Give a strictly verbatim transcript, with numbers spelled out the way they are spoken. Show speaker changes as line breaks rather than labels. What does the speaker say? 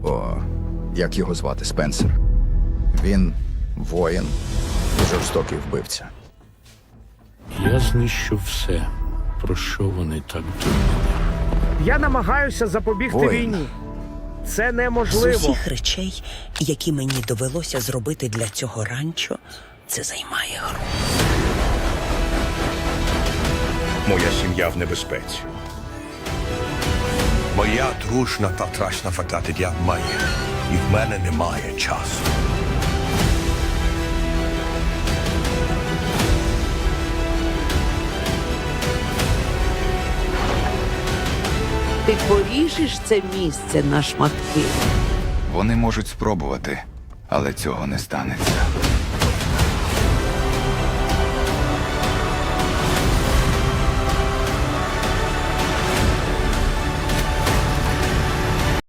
О, як його звати? Спенсер. Він воїн і жорстокий вбивця.
Я знищу все, про що вони так думали.
Я намагаюся запобігти
Воїн.
війні. Це
З
неможливо.
усіх речей, які мені довелося зробити для цього ранчо, це займає гру.
Моя сім'я в небезпеці.
Моя дружна та трашна фататидя має, і в мене немає часу.
Ти поріжеш це місце на шматки.
Вони можуть спробувати, але цього не станеться.